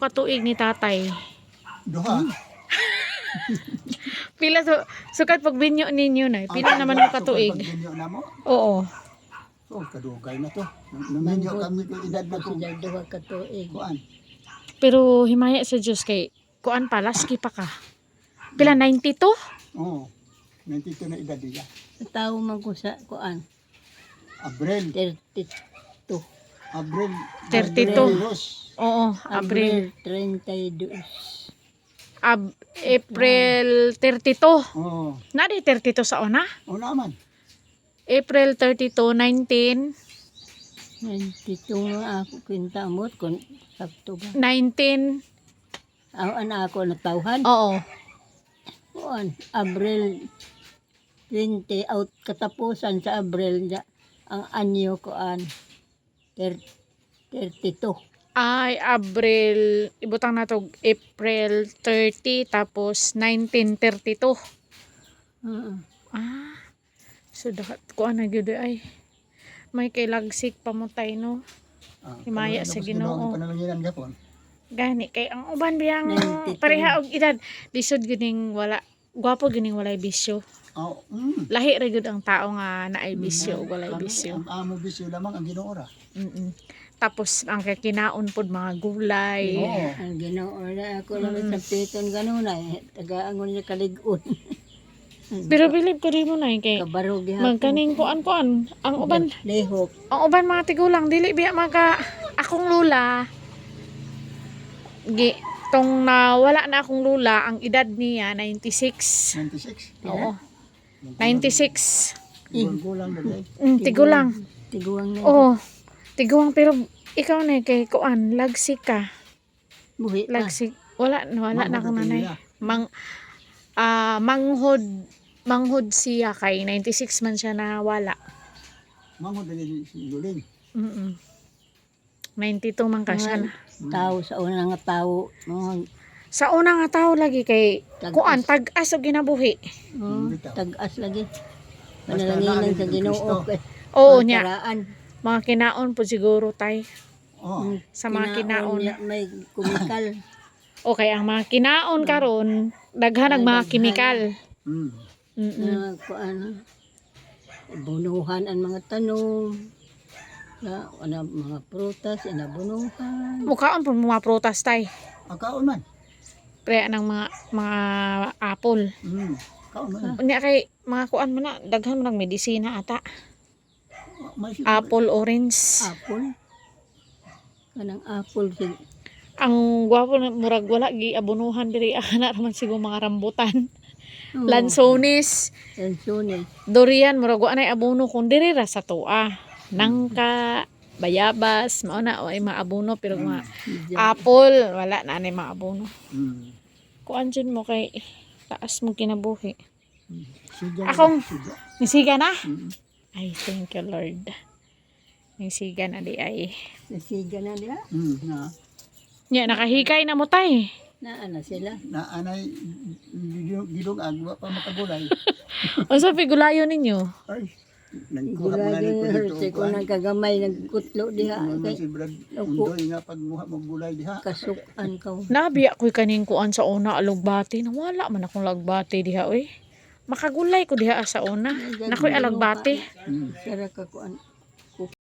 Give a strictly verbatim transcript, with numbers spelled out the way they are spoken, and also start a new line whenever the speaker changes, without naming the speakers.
ka tuig ni tatay?
Duha.
Pila so sukat pag binyo ninyo na. Pila naman mo ka tuig?
Pag-binyo na mo?
Oo.
Oh, kadugay na to. Naminyo kami ko edad na ko.
Sila duha ka tuig.
Kuan.
Pero himaya sa Diyos kay kuan pa laski pa ka. Pila ninety-two?
Oo. ninety-two na edad niya.
Sa tao man ko sa kuan.
Abril.
thirty-two.
Abril.
thirty-two.
Abril.
Oo, April.
Abril thirty-two.
Ab April thirty-two.
Oo.
Nadi thirty-two sa una?
O naman.
April thirty-two, nineteen.
ninety-two nga ako kwenta mo kun sakto ba.
nineteen.
Ako ana ako natawhan.
Oo.
Kuan Abril twenty out katapusan sa Abril ja, ang anyo kuan thirty-two.
Ay, April, ibutang na to, April thirty, tapos nineteen thirty-two.
Oo.
Ah, so dapat ko na gyud ay. May kay lagsik pamutay no.
Ah,
Himaya
ano,
sa
tapos
Ginoo.
ginawa ang panalanginan gapon.
Gani kay ang uban biyang
ninety-two.
pareha og edad. Lisod gining wala, gwapo gining walay bisyo.
Oh, mm.
Lahi ra gyud ang tao nga naay bisyo ug walay
Kami,
bisyo.
Ang amo bisyo lamang ang Ginoo ra.
Mm. Tapos ang kinaon pod mga gulay.
Oo.
Ang Ginoo na ako lang sa piton ganun ay taga-angon niya kalig-on.
Pero bilib ko rin mo na kay
Kabarog gihapon.
magkaning kuan-kuan. Ang uban,
Lihok.
ang uban mga tigulang dili biya maka akong lula. Gi tong nawala na akong lula, ang edad niya ninety-six.
ninety-six.
Oo. ninety-six.
Gulang na day.
Mm, tigulang.
Tiguang na.
Oo. Tiguang pero ikaw na kay kuan, lagsik ka.
Buhi pa.
Lagsik. Wala wala na akong nanay.
Mamagatiya.
Mang ah manghod manghod siya kay ninety-six man siya nawala.
Manghod na din si Luling.
Mm. ninety-two man ka siya na.
Tao sa una nga tao. Mga
Sa una nga tao lagi kay
Tag-as.
kuan tag-as og ginabuhi.
oh,
bitaw.
tag-as lagi.
Basta
Panalanginan
naalala
sa
ng
Ginoo.
Kristo.
kay
Oo
mga
nya,
karaan.
mga kinaon po siguro tay.
Oh.
Sa mga kinaon.
niya may kumikal.
Okay, ang mga kinaon karon daghan ang mga
Daghan.
kimikal.
Mm.
Mm.
na kuan bunuhan ang mga tanom. Na ana mga prutas inabunuhan.
Mukhaon po mga prutas tay.
Akaon man.
Pre anang mga mga apple.
Mm. Kaon man.
Unya kay mga kuan man na daghan man ang medisina ata.
May
Apple, orange.
Apple. Kanang apple sig
Ang gwapo na murag wala gi abunuhan diri ana man siguro mga rambutan.
oh,
Lansones,
Lansones.
durian murag wa nay abono kun diri ra sa tuwa. Nangka, bayabas, mao na ay maabono pero mga apple wala na nay maabono.
Mm.
Kuan jud mo kay taas mo kinabuhi.
Suga.
Akong-
Suga.
Nisiga na?
Mm.
Ay thank you Lord. Nisiga na di ay.
Nasiga na nila.
Mm. Na.
Nya nakahikay na mo tay.
Na ana sila.
Na anay gidong agwa pa makagulay.
Unsa pigulayon ninyo?
Ay. Nagkuha mo na
Gulay
ni ko
yung
dito.
herse ko nang kagamay nagkutlo diha.
Ano
Kay
si Brad
Opo.
Undoy nga pagmuha mo gulay diha.
kasukan ka.
Nabiya ko'y kaning kuan sa una alugbati. Nawala man akong lagbati diha oy. Makagulay ko diha sa una. Nakoy alagbati.
Mm.
Sara ka kuan.